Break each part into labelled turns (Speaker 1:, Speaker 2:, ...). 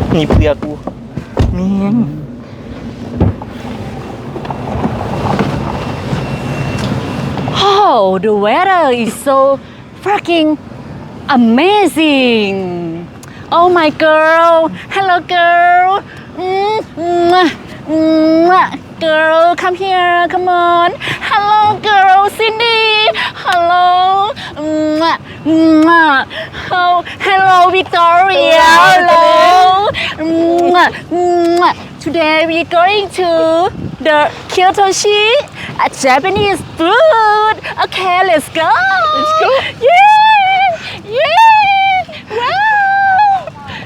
Speaker 1: นี่เปลือกกูเมียง
Speaker 2: Oh, the weather is so fucking amazing. Oh my girl, hello girl. Girl, come here, come on. Hello girl, Cindy. Hello. Oh, hello Victoria. Hello. Today we're going to the Kyotoshi, a Japanese food. Okay, let's go.
Speaker 1: Let's go.
Speaker 2: Yeah, yeah. Wow.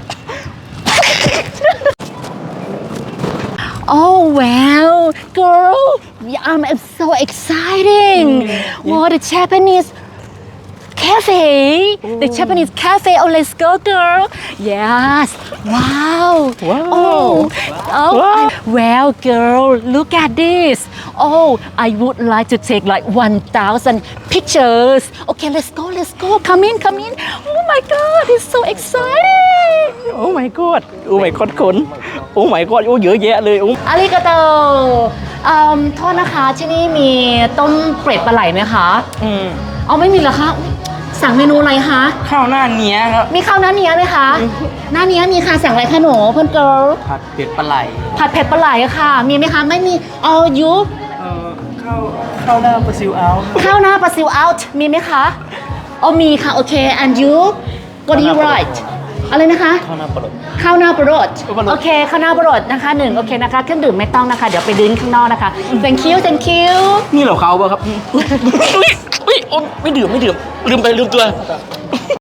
Speaker 2: Oh wow, girl, I'm so exciting. Wow, the Japanese cafe, the Japanese cafe. Oh, let's go, girl. Yes. Wow.
Speaker 1: Wow.
Speaker 2: Oh, oh.
Speaker 1: Wow.
Speaker 2: Well, girl, look at this. Oh, I would like to take like 1,000 pictures. Okay, let's go, let's go. Come in, come in. Oh my God, it's so exciting.
Speaker 1: โอ้ my god โอ้ my god ขนโอ้ my god โอ้เยอะแยะเลยโอ้
Speaker 2: อาริกาโตโทษนะคะที่นี่มีต้มเป็ดปลาไหลไหมคะ เอาไม่มีเหรอคะสั่งเมนูอะไรคะ
Speaker 1: ข้าวหน้าเนี้ยครับ
Speaker 2: มีข้าวหน้าเนี้ยไหมคะ หน้าเนี้ยมีค่ะสั่งอะไรคะหนูเพื่อนเกิร์ล
Speaker 1: ผัดเผ็ดปลาไหล
Speaker 2: ผัดเผ็ดปลาไหลค่ะ มีไหมคะไม่มีเอายุ
Speaker 1: ข้าวหน้าปลาซิวเอา
Speaker 2: ข้าวหน้าปลาซิวเอาท์มีไหมคะอ๋อมีค่ะโอเค and you what do you write อะไรนะคะ
Speaker 1: ข้าวหน้าปลาไหล
Speaker 2: ข้าวหน้าปลาโรด
Speaker 1: ปลาโรด
Speaker 2: โอเคข้าวหน้าปลาโรดนะคะ1โอเคนะคะเครื่องดื่มไม่ต้องนะคะเดี๋ยวไปดื่มข้างนอกนะคะ thank you thank you
Speaker 1: นี่เหรอเขาป่ะครับอุ้ยโอ้ไม่ดื่มลืมตัว